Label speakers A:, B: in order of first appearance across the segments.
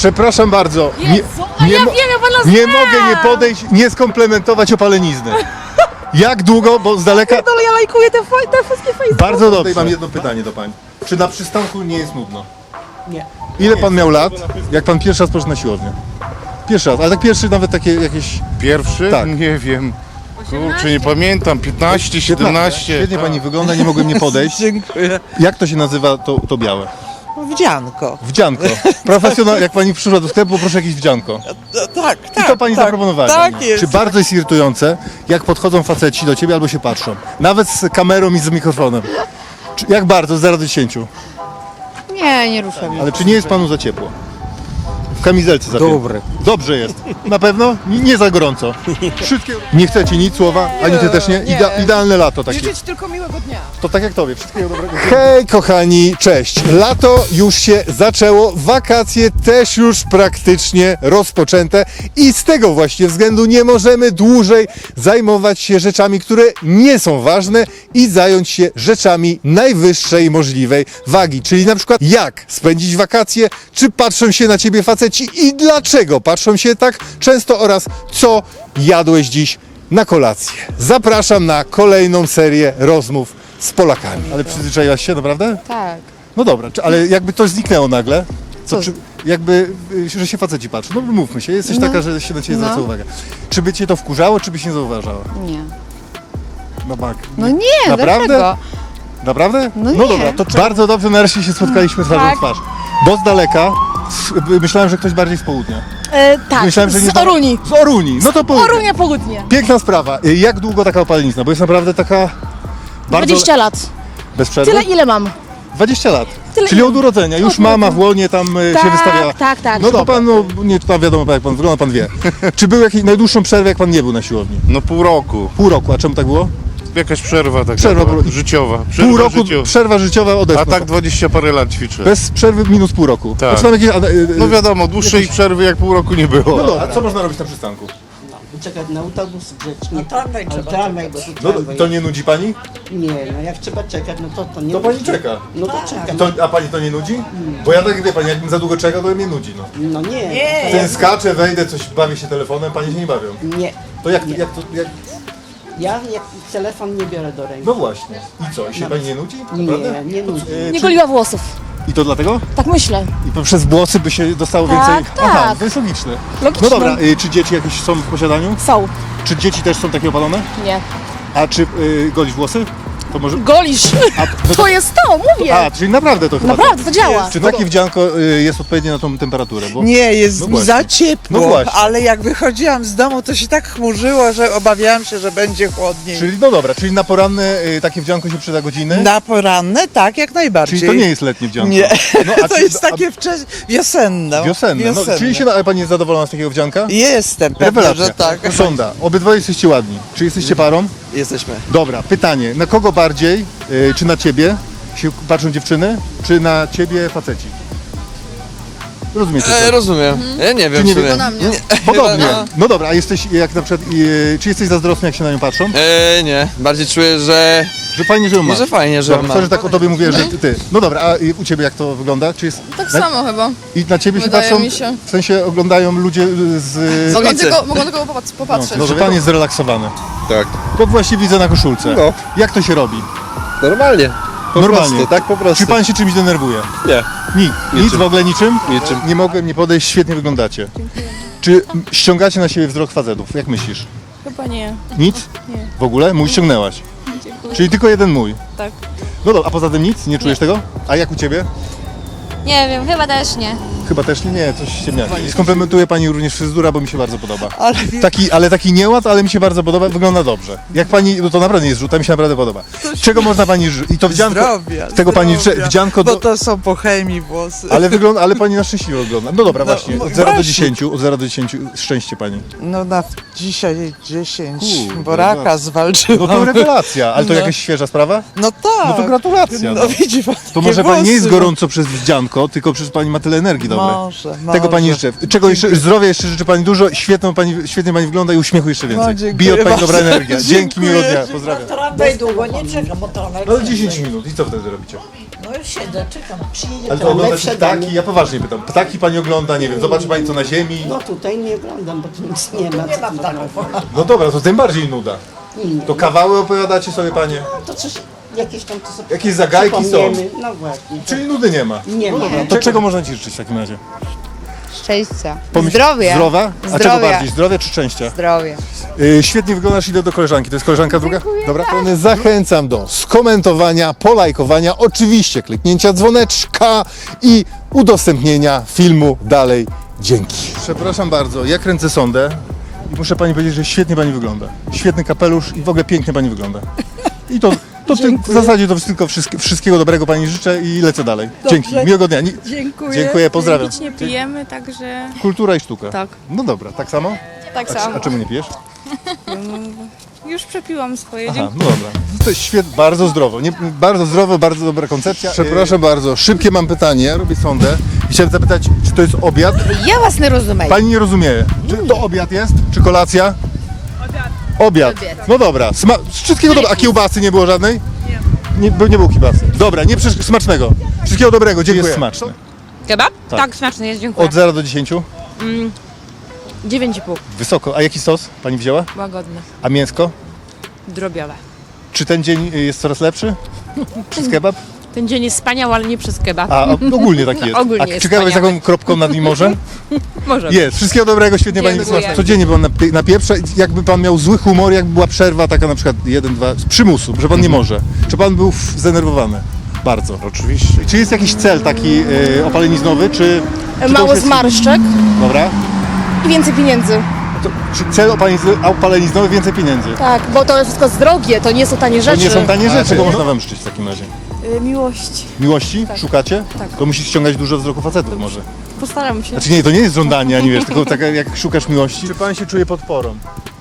A: Przepraszam bardzo.
B: Jezu, a ja wiem, ja pana
A: nie
B: znam.
A: mogę nie podejść, nie skomplementować opalenizny. Jak długo, bo z daleka...
B: Ale ja lajkuję te wszystkie Facebooki.
A: Bardzo dobrze. Mam jedno pytanie do pań. Czy na przystanku nie jest nudno?
C: Nie.
A: Ile pan miał lat, jak pan pierwszy raz poszedł na siłownię? Pierwszy raz, ale tak pierwszy nawet takie jakieś...
D: Pierwszy?
A: Tak.
D: Nie wiem. Kurczę, nie pamiętam. 15, 17.
A: Świetnie pani wygląda, nie mogłem nie podejść.
C: Dziękuję.
A: Jak to się nazywa to białe?
C: Wdzianko.
A: Wdzianko. Profesjonal, jak pani przyszła do sklepu, proszę jakieś wdzianko.
C: Tak,
A: I
C: tak.
A: to pani
C: tak,
A: zaproponowała.
C: Tak jest.
A: Czy bardzo jest irytujące, jak podchodzą faceci do ciebie albo się patrzą? Nawet z kamerą i z mikrofonem. Jak bardzo, z 0 do 10?
B: Nie, nie ruszam.
A: Ale czy nie jest panu za ciepło? W kamizelce za
C: Dobry.
A: Dobrze jest. Na pewno? Nie za gorąco. Wszystkie... Nie chcecie nic słowa? Ani ty też nie? Idealne lato takie.
B: Życzyć tylko miłego dnia.
A: To tak jak tobie. Wszystkiego dobrego. Hej kochani, cześć. Lato już się zaczęło, wakacje też już praktycznie rozpoczęte i z tego właśnie względu nie możemy dłużej zajmować się rzeczami, które nie są ważne i zająć się rzeczami najwyższej możliwej wagi. Czyli na przykład jak spędzić wakacje, czy patrzą się na ciebie faceci i dlaczego patrzą się tak często oraz co jadłeś dziś na kolację. Zapraszam na kolejną serię rozmów z Polakami. Ale przyzwyczaiłaś się, naprawdę?
B: Tak.
A: No dobra, ale jakby to zniknęło nagle,
B: Co?
A: jakby, że się faceci patrzą. No mówmy się, jesteś taka, że się na ciebie zwraca uwagę. Czy by cię to wkurzało, czy byś nie zauważała?
B: Nie.
A: No tak.
B: No nie,
A: Naprawdę?
B: dlaczego?
A: Naprawdę?
B: No nie.
A: dobra, to bardzo dobrze nareszcie się spotkaliśmy twarzą w
B: Tak.
A: twarz. Bo z daleka myślałem, że ktoś bardziej z południa.
B: Tak,
A: Myślałem, że nie
B: z Oruni.
A: Z Oruni, no to południe.
B: Orunia południe.
A: Piękna sprawa. Jak długo taka opalenizna? Bo jest naprawdę taka bardzo...
B: 20 lat.
A: Bez przerwy?
B: Tyle ile mam.
A: 20 lat.
B: Tyle
A: Czyli
B: ile?
A: od urodzenia. Już
B: Od
A: mama
B: urodzenia.
A: w łonie tam się
B: Tak,
A: wystawiała.
B: tak,
A: No to
B: chyba
A: pan, no nie tam wiadomo jak pan wygląda, pan wie. Czy był jakiś najdłuższą przerwę, jak pan nie był na siłowni?
D: No pół roku.
A: Pół roku, a czemu tak było?
D: Jakaś przerwa taka
A: Przerwa
D: była,
A: była.
D: życiowa.
A: Pół roku,
D: życiowa.
A: przerwa życiowa odeszła.
D: A tak 20 parę lat ćwiczę.
A: Bez przerwy minus pół roku.
D: Tak.
A: Znaczy tam jakieś,
D: No wiadomo, dłuższej przerwy jak pół roku nie było.
A: no dobra, a co można robić na przystanku?
E: Czekać na autobus grzecznie.
C: Na tramwaj
E: Ale
C: trzeba
E: tramwaj, bo tu
A: No
E: tramwaj.
A: to nie nudzi pani?
E: Nie, no jak trzeba czekać, no to nie.
A: To pani czeka.
E: No to czekam.
A: A pani to nie nudzi? Bo ja tak wie pani, jakbym za długo czekał, to mnie nudzi. No.
E: No nie.
A: Wtedy skaczę, wejdę, coś bawię się telefonem, panie się nie bawią.
E: Nie.
A: To jak
E: Ja jak telefon nie biorę do ręki.
A: no właśnie. I co? I się pani nie nudzi? Naprawdę?
E: Nie, nie nudzi.
B: Nie goliła włosów.
A: I to dlatego?
B: Tak myślę.
A: I przez włosy by się dostało
B: Tak,
A: więcej. Aha,
B: tak.
A: to jest logiczne.
B: Logiczne.
A: No dobra, czy dzieci jakieś są w posiadaniu?
B: Są.
A: Czy dzieci też są takie opalone?
B: Nie.
A: A czy golisz włosy? To może.
B: Golisz. To jest to, mówię.
A: A, czyli naprawdę to chyba.
B: Naprawdę, to działa.
A: Czy takie wdzianko jest odpowiednie na tą temperaturę? Bo...
C: Nie, jest
A: No
C: mi
A: właśnie.
C: za ciepło,
A: No właśnie.
C: ale jak wychodziłam z domu, to się tak chmurzyło, że obawiałam się, że będzie chłodniej.
A: Czyli no dobra, czyli na poranne takie wdzianko się przyda godziny?
C: Na poranne, tak, jak najbardziej.
A: Czyli to nie jest letnie wdzianko?
C: Nie,
A: No, a
C: to
A: czy-
C: jest takie wiosenne.
A: Wiosenne. No, czyli się, ale pani jest zadowolona z takiego wdzianka?
C: Jestem, pewnie,
A: Rewelacja.
C: że tak.
A: Sonda, obydwoje jesteście ładni. Czy jesteście parą?
F: Jesteśmy.
A: Dobra, pytanie. Na kogo bardziej, czy na ciebie się patrzą dziewczyny, czy na ciebie faceci? Rozumiecie to?
F: Rozumiem. Ja nie wiem
A: nie
F: w sumie.
A: wiem? Podobnie. No dobra, a jesteś jak na przykład, czy jesteś zazdrosny, jak się na nią patrzą?
F: Nie. Bardziej czuję, że
A: Że fajnie, że ją masz.
F: że fajnie, że
A: Dobra,
F: ma.
A: sorry, że tak o tobie mówię, że ty. No dobra, a u ciebie jak to wygląda? Czy jest...
G: Tak samo chyba.
A: I na ciebie się
G: Wydaje
A: patrzą,
G: mi się.
A: w sensie oglądają ludzie z...
G: Mogą tylko popatrzeć.
A: No, że pan jest zrelaksowany.
F: Tak.
A: To właśnie widzę na koszulce.
F: No.
A: Jak to się robi?
F: Normalnie. Po
A: Normalnie.
F: prostu, tak po prostu.
A: Czy pan się czymś denerwuje?
F: Nie.
A: Nic w ogóle niczym?
F: Niczym.
A: Nie mogłem nie podejść, świetnie wyglądacie. Czy ściągacie na siebie wzrok facetów? Jak myślisz?
G: Chyba nie.
A: Nic?
G: Nie.
A: W ogóle? Mój ściągnęłaś. Czyli tylko jeden mój?
G: Tak.
A: No dobra, a poza tym nic? Nie czujesz tego? A jak u ciebie?
H: Nie wiem, chyba też nie.
A: Chyba też nie, coś ciemniaki. Skomplementuje pani również fryzura, bo mi się bardzo podoba.
C: Ale
A: Ale taki nieład, ale mi się bardzo podoba, wygląda dobrze. Jak pani, no to naprawdę nie jest rzut, to mi się naprawdę podoba. Czego można pani żyć? I to wdzianko,
C: zdrowia,
A: tego pani
C: zdrowia,
A: wdzianko
C: bo
A: do...
C: to są po chemii włosy.
A: Ale pani na szczęśliwie wygląda. No dobra,
C: No,
A: właśnie, od 0 do
C: właśnie.
A: 10, od 0 do 10 szczęście pani.
C: No na dzisiaj 10,
A: Kurde,
C: bo raka zwalczyłam.
A: No to rewelacja, ale to
C: No.
A: jakaś świeża sprawa?
C: No tak.
A: No to gratulacja.
C: No
A: No.
C: widzi pan,
A: To
C: takie
A: może pani nie jest
C: włosy,
A: gorąco przez wdzianko, tylko przez pani ma tyle energii dobrej.
C: Może.
A: Tego pani życzę. Czego jeszcze, zdrowia jeszcze życzę pani dużo, świetnie pani wygląda i uśmiechu jeszcze więcej.
C: No, dziękuję
A: Bije od pani
C: bardzo.
A: dobra energia. Dzięki,
C: Dziękuję.
A: miłego dnia, pozdrawiam.
E: Tramwaj długo nie czekam, bo to
A: No 10 minut i co wtedy robicie?
E: No już siedzę, czekam. Przyjedzie
A: Ale to
E: to
A: ogląda
E: lepsze
A: się
E: danie.
A: ptaki, ja poważnie pytam. Ptaki pani ogląda, nie wiem, zobaczy pani co na ziemi.
E: No tutaj nie oglądam, bo tu nic nie ma. Nie ma ptaków.
A: No dobra, to tym bardziej nuda. To kawały opowiadacie sobie panie?
E: To coś, jakieś tam to sobie
A: Jakieś zagajki są.
E: przypomniemy. No właśnie.
A: Czyli nudy nie ma.
E: Nie ma.
A: To czego można ci życzyć w takim razie?
I: Szczęścia.
A: Pomyśl-
I: Zdrowia.
A: Zdrowa? A czego
I: Zdrowia.
A: bardziej? Zdrowia czy szczęścia?
I: Zdrowie.
A: Świetnie wyglądasz, idę do koleżanki. To jest koleżanka druga? Dobra. Zachęcam do skomentowania, polajkowania, oczywiście kliknięcia dzwoneczka i udostępnienia filmu dalej. Dzięki. Przepraszam bardzo, ja kręcę sondę i muszę pani powiedzieć, że świetnie pani wygląda. Świetny kapelusz i w ogóle pięknie pani wygląda. I to w zasadzie to tylko wszystkiego dobrego pani życzę i lecę dalej. Dzięki, miłego dnia. Dziękuję, pozdrawiam.
G: Nic nie pijemy, także
A: Kultura i sztuka.
G: Tak.
A: No dobra, tak samo?
G: tak samo.
A: A czemu nie pijesz?
G: Już przepiłam swoje.
A: Aha, no dobra. To jest świetnie, bardzo zdrowo. Bardzo zdrowo, bardzo dobra koncepcja. Przepraszam bardzo, szybkie mam pytanie, ja robię sondę i chciałem zapytać, czy to jest obiad?
I: Ja was nie rozumiem.
A: Pani nie rozumie. Czy to obiad jest? Czy kolacja? Obiad. No dobra, wszystkiego dobrego. A kiełbasy nie było żadnej? Nie było kiełbasy. Dobra, nie smacznego. Wszystkiego dobrego, dziękuję. Jest smaczny.
I: Kebab?
A: Tak.
I: Tak, smaczny jest, dziękuję.
A: Od 0 do 10?
I: 9,5.
A: Wysoko. A jaki sos pani wzięła?
I: Łagodny.
A: A mięsko?
I: Drobiowe.
A: Czy ten dzień jest coraz lepszy? Przez kebab?
I: Ten dzień jest wspaniały, ale nie przez kebab.
A: A ogólnie taki jest.
I: Ogólnie
A: A
I: jest
A: czy kebab jest
I: wspaniały.
A: taką kropką nad nim może?
I: Może.
A: Jest. Wszystkiego dobrego, świetnie pani
I: Dziękuję.
A: wysłała. Codziennie pan na pieprze. Jakby pan miał zły humor, jakby była przerwa taka na przykład 1-2, z przymusu, że pan nie może. Czy pan był zdenerwowany? Bardzo.
D: Oczywiście.
A: Czy jest jakiś cel taki opaleniznowy, czy to
B: Mało
A: już jest-
B: zmarszczek
A: Dobra.
B: i więcej pieniędzy.
A: Czy cel opaleniznowy, więcej pieniędzy?
B: Tak, bo to wszystko jest drogie, to nie są tanie
A: To
B: rzeczy.
A: nie są tanie rzeczy. Czego można wam życzyć w takim razie?
G: Miłości.
A: Miłości? Szukacie? Tak. To musisz ściągać dużo wzroku facetów może.
G: Postaram się.
A: Znaczy nie, to nie jest żądanie, ani wiesz, tylko tak jak szukasz miłości. Czy pan się czuje podporą?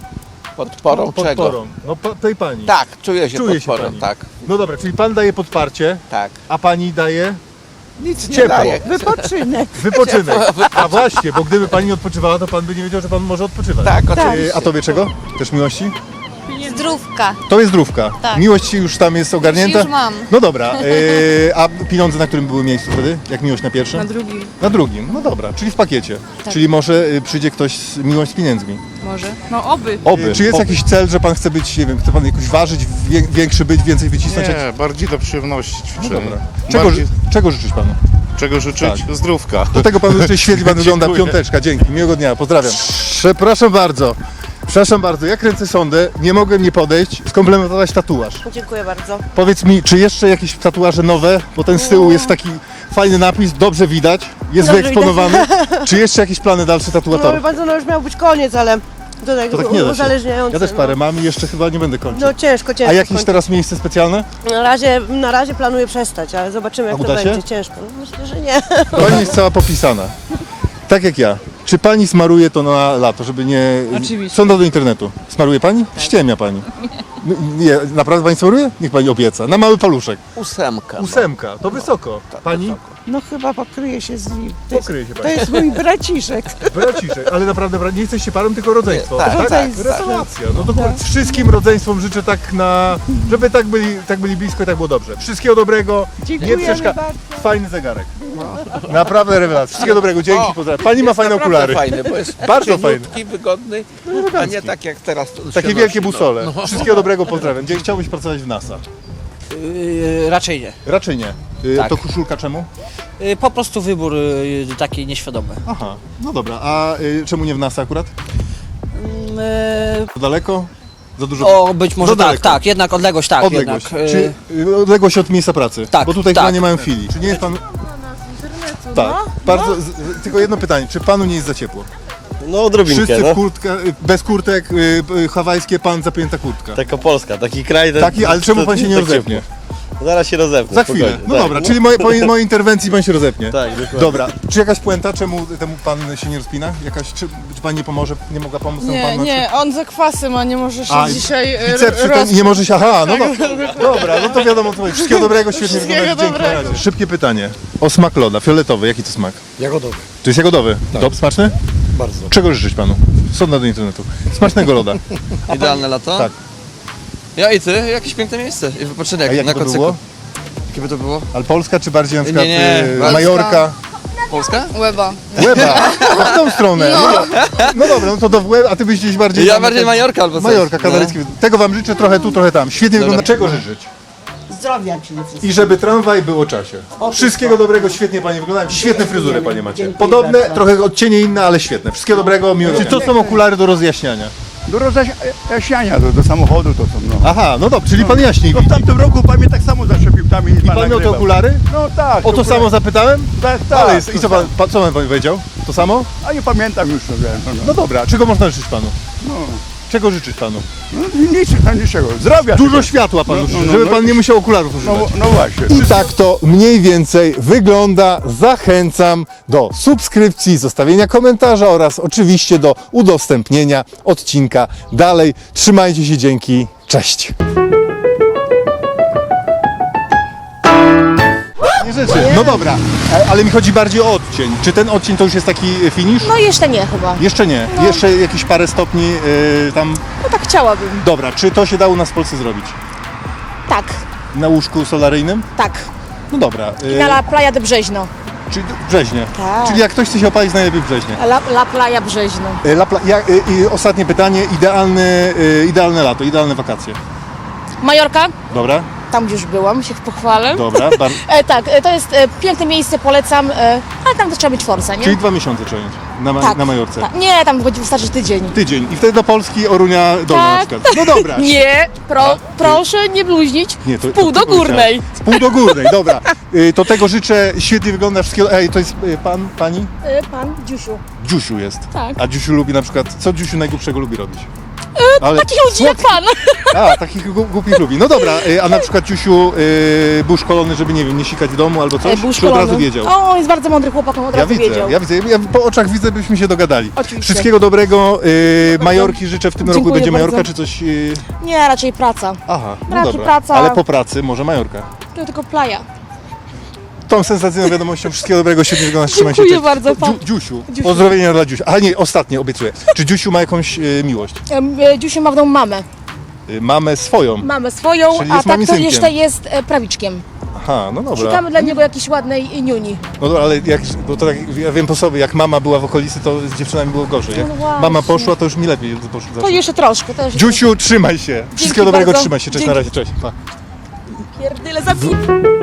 F: Podporą czego?
A: Podporą. No tej pani.
F: Tak, czuję się
A: Czuje się
F: podporą,
A: pani.
F: tak,
A: No dobra, czyli pan daje podparcie,
F: tak.
A: a pani daje
F: Nic nie
A: ciepło.
F: daje.
C: Wypoczynek.
A: Wypoczynek. A właśnie, bo gdyby pani nie odpoczywała, to pan by nie wiedział, że pan może odpoczywać.
F: Tak, oczywiście.
A: A tobie czego? Też miłości?
H: Zdrówka.
A: To jest zdrówka.
H: Tak.
A: Miłość już tam jest ogarnięta?
H: Już mam.
A: No dobra, a pieniądze na którym były miejscu wtedy? Jak miłość na pierwszym?
G: Na drugim.
A: Na drugim, no dobra, czyli w pakiecie.
H: Tak.
A: Czyli może przyjdzie ktoś z miłość z pieniędzmi.
G: Może. No oby.
A: Oby. Czy jest jakiś cel, że pan chce być, nie wiem, chce pan jakoś ważyć, większy być, więcej wycisnąć?
D: Nie, bardziej do przyjemności
A: No
D: ćwiczenia.
A: dobra.
D: Bardziej,
A: Czego życzyć panu?
D: czego życzyć? Zdrówka.
A: Do tego panu życzę, świetnie pan wygląda,
D: Dziękuję.
A: piąteczka, dzięki, miłego dnia, pozdrawiam. Przepraszam bardzo, ja kręcę sondę, nie mogłem nie podejść, skomplementować tatuaż.
E: Dziękuję bardzo.
A: Powiedz mi, czy jeszcze jakieś tatuaże nowe, bo ten z tyłu jest taki fajny napis, dobrze widać, jest
E: Dobrze
A: wyeksponowany. Czy jeszcze jakieś plany dalsze tatuatorów?
E: bardzo, no już miał być koniec, ale to tak,
A: To tak nie da się.
E: uzależniające.
A: Ja też parę mam i jeszcze chyba nie będę kończył.
E: No ciężko.
A: A jakieś teraz miejsce specjalne?
E: Na razie planuję przestać, ale zobaczymy jak
A: A
E: to
A: uda się?
E: będzie. Ciężko. No, myślę, że nie.
A: Pani jest cała popisana. Tak jak ja. Czy pani smaruje to na lato, żeby nie...
G: Oczywiście.
A: Sonda do internetu. Smaruje pani? Ściemnia pani. Nie, naprawdę pani smaruje? Niech pani obieca. Na mały paluszek.
F: 8.
A: 8, to wysoko. Pani?
C: No chyba pokryje się z nim.
A: Pokryje się
C: To
A: pani.
C: jest mój braciszek.
A: Braciszek, ale naprawdę nie jesteście parą, tylko rodzeństwo.
F: Tak,
C: rodzeństwo.
A: Rewelacja. No to wszystkim rodzeństwom życzę tak żeby tak byli blisko i tak było dobrze. Wszystkiego dobrego. Nie
C: Dziękujemy
A: przeszkadza.
C: bardzo.
A: Fajny zegarek. Naprawdę rewelacja. Wszystkiego dobrego, dzięki, pozdrawiam. Pani ma fajne okulary.
F: Fajny, bo jest
A: Bardzo fajny.
F: cieniutki, wygodny, a nie tak jak teraz. To
A: Takie
F: się
A: wielkie
F: nosi,
A: busole. Wszystkiego dobrego, pozdrawiam. Gdzie chciałbyś pracować w NASA?
J: Raczej nie.
A: Raczej nie.
J: Tak.
A: To koszulka czemu?
J: Po prostu wybór taki nieświadomy.
A: Aha, no dobra. A czemu nie w NASA akurat? Za daleko? Za dużo?
J: O, być może
A: Za
J: tak,
A: daleko.
J: tak, jednak odległość, tak,
A: Odległość.
J: jednak.
A: Czy odległość od miejsca pracy?
J: Tak,
A: Bo tutaj
J: tak.
A: chyba nie mają chwili. Czy nie jest pan... Tak, bardzo, tylko jedno pytanie, czy panu nie jest za ciepło?
K: No odrobinkę,
A: Wszyscy
K: no.
A: w kurtkach, bez kurtek, hawajskie, pan zapięta kurtka.
K: Taka Polska, taki kraj.
A: Taki, ale czemu pan się nie
K: tak
A: rozepnie?
K: ciepło. Zaraz się rozepnę.
A: Za chwilę.
K: spokojnie,
A: No
K: tak.
A: dobra, czyli po mojej interwencji pan się rozepnie.
K: Tak, dokładnie.
A: Dobra, czy jakaś puenta, czemu temu pan się nie rozpina? Czy pan nie pomoże, nie mogła pomóc temu panu?
G: on za kwasy ma, nie może się
A: A,
G: dzisiaj
A: bicepsy ten, nie może się, aha, no dobra, no to wiadomo co chodzi. Wszystkiego dobrego, świetnie
G: Wszystkiego
A: wyglądacie, dzięki, na
G: dobrego.
A: razie. Szybkie pytanie, o smak loda, fioletowy, jaki to smak?
K: Jagodowy.
A: To jest jagodowy? Dob, smaczny?
K: Bardzo.
A: Czego życzyć panu? Sonda do internetu. Smacznego loda.
F: Idealne lato?
A: Tak.
F: Ja i ty, jakieś piękne miejsce i
A: A
F: wypoczynek
A: jak
F: na
A: to
F: kocyku.
A: było?
F: Jakie by to było?
A: Ale Polska czy bardziej na przykład
F: nie.
A: Majorka?
F: Polska?
G: Łeba.
A: Łeba, no w tą stronę. No dobra, no to do Łeb, a ty byś gdzieś bardziej...
F: Ja
A: tam,
F: bardziej Majorka albo coś.
A: Majorka, Kanaryjski. Tego wam życzę, trochę tu, trochę tam. Świetnie wygląda. Czego życzyć?
E: Zdrowia przede wszystkim.
A: I żeby tramwaj był o czasie. Wszystkiego dobrego, świetnie panie wyglądają. Świetne fryzury panie macie.
E: Dziękuję
A: Podobne,
E: bardzo.
A: trochę odcienie inne, ale świetne. Wszystkiego dobrego, miłego. Czy to są okulary do rozjaśniania?
L: Do rozjaśniania, do samochodu to są, no.
A: Aha, no dobrze, czyli pan jaśniej
L: No w
A: widzi.
L: tamtym roku pan mnie tak samo zaczepił tam i
A: I pan miał te okulary?
L: No tak.
A: O to samo zapytałem?
L: Tak,
A: Ale
L: tak.
A: jest, i co pan, co pan powiedział? To samo?
L: A nie pamiętam już, no wiem.
A: No dobra, czego można życzyć panu?
L: No.
A: Czego życzyć panu?
L: No niczego, zdrowia.
A: Dużo
L: tylko.
A: światła panu
L: No,
A: życzy,
L: no,
A: żeby
L: no.
A: pan nie musiał okularów używać.
L: No właśnie.
A: I tak to mniej więcej wygląda. Zachęcam do subskrypcji, zostawienia komentarza oraz oczywiście do udostępnienia odcinka dalej. Trzymajcie się, dzięki, cześć! Nie rzeczy. No dobra, ale mi chodzi bardziej o odcień. Czy ten odcień to już jest taki finish?
B: No jeszcze nie chyba.
A: Jeszcze nie. Jeszcze jakieś parę stopni tam.
B: No tak chciałabym.
A: Dobra, czy to się dało na w Polsce zrobić?
B: Tak,
A: Na łóżku solaryjnym?
B: tak.
A: No dobra.
B: Na La Playa de Brzeźno.
A: Czyli Brzeźnie.
B: Tak.
A: Czyli jak ktoś chce się opalić, najlepiej w Brzeźnie.
B: La Playa Brzeźno.
A: I ostatnie pytanie. Idealne lato, idealne wakacje.
B: Majorka?
A: Dobra,
B: Tam już byłam, się pochwalę.
A: dobra.
B: Tak, to jest piękne miejsce, polecam, ale tam to trzeba być forsa, nie?
A: Czyli 2 miesiące trzeba mieć
B: tak,
A: na Majorce.
B: Tak. Nie, tam wystarczy tydzień.
A: Tydzień. I wtedy do Polski Orunia Dolna na
B: Tak.
A: przykład. No dobra.
B: Nie, proszę nie bluźnić.
A: Nie, to,
B: Pół
A: to
B: do
A: ty powiedziałeś.
B: górnej.
A: Z pół do górnej, dobra. To tego życzę, świetnie wygląda wszystkiego. Ej, to jest pani?
B: Pan Dziusiu.
A: Dziusiu jest.
B: Tak.
A: A Dziusiu lubi na przykład, co Dziusiu najgłupszego lubi robić? Ale
B: Takich ludzi jak pan.
A: A, takich głupich lubi. No dobra, a na przykład Ciusiu był szkolony, żeby nie wiem, nie sikać w domu albo coś?
B: Był
A: Czy od razu
B: szkolony.
A: wiedział?
B: O, on jest bardzo mądry chłopak, on od razu wiedział.
A: Ja widzę, ja po oczach widzę, byśmy się dogadali.
B: Oczywiście.
A: Wszystkiego dobrego, Majorki życzę w tym roku.
B: Dziękuję
A: Będzie
B: bardzo.
A: Majorka czy coś?
B: Nie, raczej praca.
A: Aha, no
B: Raczej
A: dobra.
B: praca.
A: Ale po pracy może Majorka.
B: To tylko playa.
A: Tą sensacyjną wiadomością wszystkiego dobrego, świetnie wyglądasz, trzymaj się.
B: Dziękuję
A: Cześć.
B: bardzo, pan.
A: Dziusiu, pozdrowienia dla Dziusia. A nie, ostatnie, obiecuję. Czy Dziusiu ma jakąś miłość?
B: Dziusiu ma w domu mamę.
A: Mamę swoją.
B: Mamę swoją,
A: Czyli
B: a
A: jest
B: tak to
A: mamicynkiem.
B: jeszcze jest prawiczkiem.
A: Aha, no dobra.
B: Szukamy dla niego jakiejś ładnej niuni.
A: No dobra, ale jak, bo to tak, ja wiem po sobie, jak mama była w okolicy, to z dziewczynami było gorzej. Jak
B: No właśnie.
A: mama poszła, to już mi lepiej poszło.
B: To jeszcze troszkę. To jeszcze
A: Dziusiu, trzymaj się. Wszystkiego dobrego,
B: bardzo.
A: trzymaj się. Cześć,
B: Dzięki.
A: na razie, cześć. Pa.
B: Pierdyle zabij.